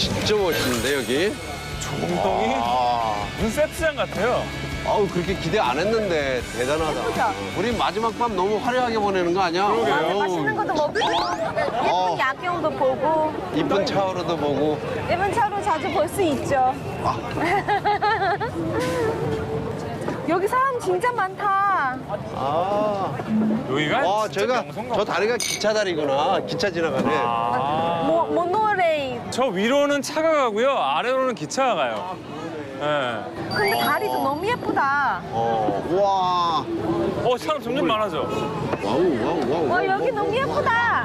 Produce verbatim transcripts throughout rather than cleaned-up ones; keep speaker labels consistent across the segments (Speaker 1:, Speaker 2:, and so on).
Speaker 1: 진짜 멋있는데 여기.
Speaker 2: 엉덩이 무슨 세트장 같아요.
Speaker 1: 아우 그렇게 기대 안 했는데 대단하다.
Speaker 3: 예쁘죠?
Speaker 1: 우리 마지막 밤 너무 화려하게 보내는 거 아니야?
Speaker 2: 그러게요.
Speaker 3: 맞아, 맛있는 것도 먹고 예쁜
Speaker 1: 어.
Speaker 3: 야경도 보고
Speaker 1: 이쁜 차오로도 보고.
Speaker 3: 예쁜 차로 자주 볼 수 있죠.
Speaker 1: 아.
Speaker 3: 여기 사람 진짜 많다.
Speaker 1: 아.
Speaker 2: 여기가
Speaker 1: 와
Speaker 2: 진짜
Speaker 1: 저희가
Speaker 2: 명소인가
Speaker 1: 저
Speaker 2: 보다.
Speaker 1: 다리가 기차 다리구나. 기차 지나가네.
Speaker 2: 아.
Speaker 3: 모, 모노레일.
Speaker 2: 저 위로는 차가 가고요. 아래로는 기차가 가요. 예.
Speaker 3: 근데 다리도 너무 예쁘다.
Speaker 1: 어. 와.
Speaker 2: 어, 사람 점점 많아져.
Speaker 1: 와우 와우 와우.
Speaker 3: 와, 여기 너무 예쁘다.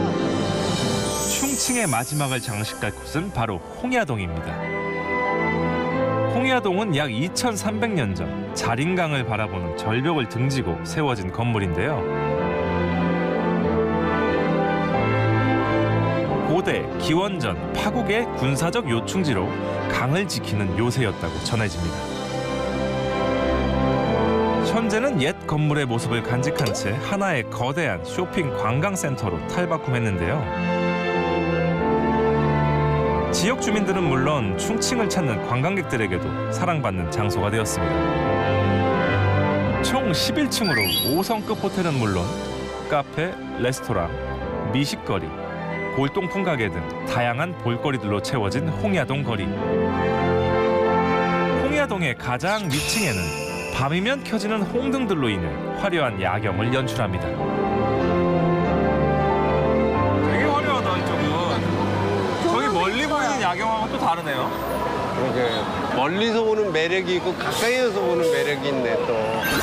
Speaker 4: 충칭의 마지막을 장식할 곳은 바로 홍야동입니다. 홍야동은 약 이천삼백 년 전 자린강을 바라보는 절벽을 등지고 세워진 건물인데요. 고대, 기원전, 파국의 군사적 요충지로 강을 지키는 요새였다고 전해집니다. 현재는 옛 건물의 모습을 간직한 채 하나의 거대한 쇼핑 관광센터로 탈바꿈했는데요. 지역 주민들은 물론 충칭을 찾는 관광객들에게도 사랑받는 장소가 되었습니다. 총 십일 층으로 오 성급 호텔은 물론 카페, 레스토랑, 미식거리, 골동품 가게 등 다양한 볼거리들로 채워진 홍야동 거리. 홍야동의 가장 위층에는 밤이면 켜지는 홍등들로 인해 화려한 야경을 연출합니다.
Speaker 2: 되게 화려하다, 이쪽은. 저기 멀리 보이는 야경하고 또 다르네요.
Speaker 1: 그러게 멀리서 보는 매력이 있고 가까이에서 보는 매력이 있네 또.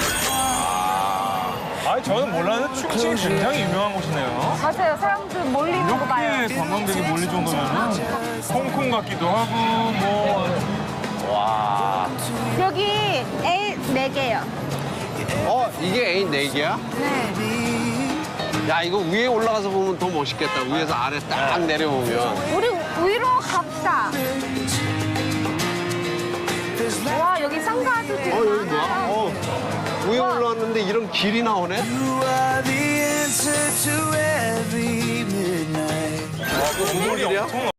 Speaker 2: 아니, 저는 몰랐는데 충칭이 굉장히 유명한 곳이네요.
Speaker 3: 맞아요. 사람들 몰리는 거 봐요.
Speaker 2: 이렇게 관광객이 몰릴 정도면 홍콩 같기도 하고 뭐.
Speaker 1: 와.
Speaker 3: 여기 A 네 개요.
Speaker 1: 어 이게 애인 네 개야?
Speaker 3: 네.
Speaker 1: 야 이거 위에 올라가서 보면 더 멋있겠다. 위에서 아래 딱 내려오면.
Speaker 3: 우리 위로 갑시다. 와, 여기 상가도 되게
Speaker 1: 어 여기 뭐야?
Speaker 3: 많아요.
Speaker 1: 어 위에 올라왔는데 이런 길이 나오네.
Speaker 5: You are the answer to every midnight.
Speaker 2: 건물이
Speaker 1: 건물이야?
Speaker 2: 엄청